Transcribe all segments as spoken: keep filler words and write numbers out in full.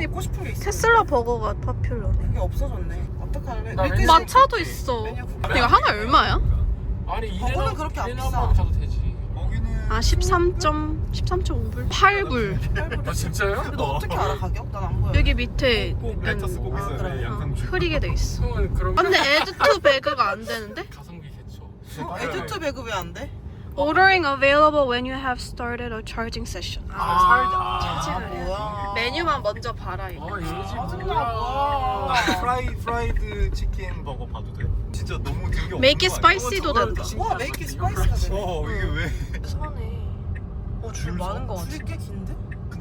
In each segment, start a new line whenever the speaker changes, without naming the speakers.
확실히
먹고 싶은 게 있어.
테슬라 버거가 파퓰러네.
그게 없어졌네. 어떡할래?
나
밀크쉐이크
마차도 있어.
메뉴 구글.
이거 하나 얼마야?
아니
버거는
이래나
그렇게 안
이래나
비싸.
한번 사도 되지.
아 십삼 점 십삼 점 오 불? 팔 불.
아 진짜요?
근데 너 어떻게 알아 가격? 난 안 보여.
여기 밑에
꼭 레터스 꼭
아,
있어야
그래.
돼. 양상추.
흐리게 돼 있어.
형은 그럼
아, 근데 애드 투 배그가 안 되는데?
가성비 개쳐.
어? 에듀투 배그 왜 안 돼?
Ordering available when you have started a charging session.
아, 살지. 아,
아
그래.
뭐야?
메뉴만 먼저 봐라 이거.
아 이거지
짜증나
뭐야.
뭐야?
프라이 프라이드 치킨 버거 봐도 돼? 진짜 너무 되게
Make it
없는 거 아니야?
spicy도
어, 저걸
된다.
진-
와 메이키 스파이스가 되네.
어 이게 왜?
사네.
어,
줄 많은
거 같아. 줄이 꽤 긴데?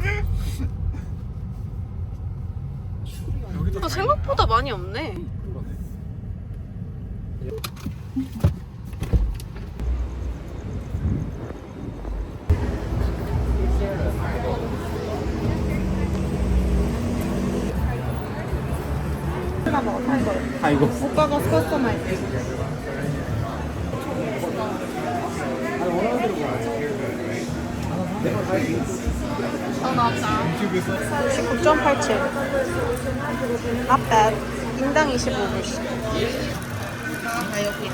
여기도
아, 생각보다 많이 없네.
아 이거
오빠가 커스터마이즈.
어 나왔다. 십구 점 팔칠. Not bad. 인당 이십오 불씩. 아 여기.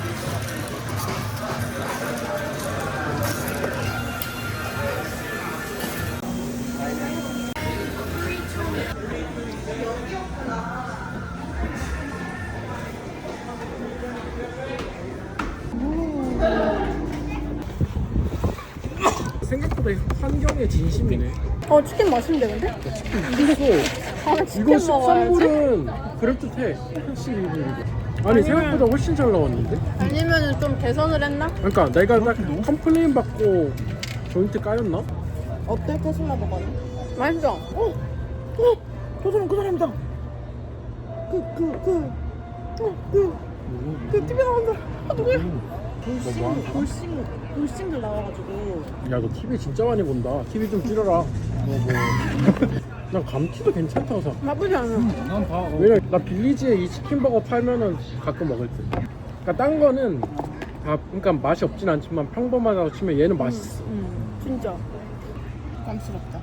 생각보다 환경에 진심이네.
어 치킨 맛있는데 근데?
이거
아 치킨
이거 십삼
먹어야지.
불은 그럴듯해. 십이 불이고. 아니 생각보다 훨씬 잘 나왔는데?
아니면은 좀 개선을 했나?
그러니까 내가 딱 컴플레인 받고 조인트 까였나?
어때 테슬라 버거는?
맛있어.
어, 어, 저 사람 그 사람이다. 그 그 그 그 그 티비 나온 사람. 아 누구야? 돌싱
뭐?
돌싱 돌싱들 나와가지고.
야 너 티비 진짜 많이 본다. 티비 좀 줄여라. 너 뭐. 난 감튀도 괜찮다고 생각.
나쁘지 않아.
난 봐. 왜냐 나 빌리지에 이 치킨버거 팔면은 가끔 먹을 때. 그러니까 딴 거는 다 그러니까 맛이 없진 않지만 평범하다고 치면 얘는 맛있어.
진짜.
깜스럽다.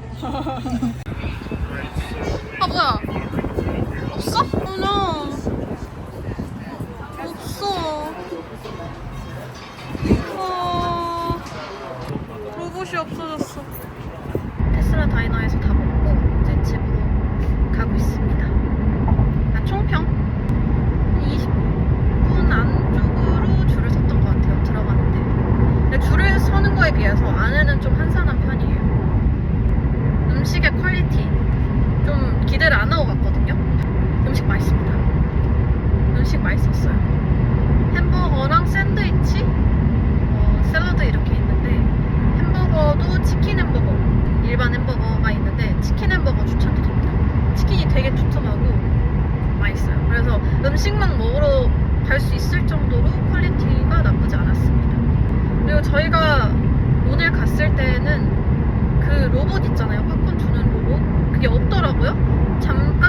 아 뭐야? 없어? 어나 없어. 아 로봇이 없어졌어. 테슬라 다이너에서 다 먹고 이제 집으로 가고 있습니다. 한 총평 이십 분 안쪽으로 줄을 섰던 것 같아요. 들어가는데 근데 줄을 서는 거에 비해서 안에는 좀 한산한 편이에요. 음식의 퀄리티 좀 기대를 안 하고 갔거든요. 음식 맛있습니다. 음식 맛있었어요. 햄버거랑 샌드위치, 어, 샐러드 이렇게 있는데 햄버거도 치킨 햄버거, 일반 햄버거가 있는데 치킨 햄버거 추천드립니다. 치킨이 되게 두툼하고 맛있어요. 그래서 음식만 먹으러 갈 수 있을 정도로 퀄리티가 나쁘지 않았습니다. 그리고 저희가 오늘 갔을 때는 그 로봇 있잖아요. 팝콘 주는 로봇. 그게 없더라고요. 잠깐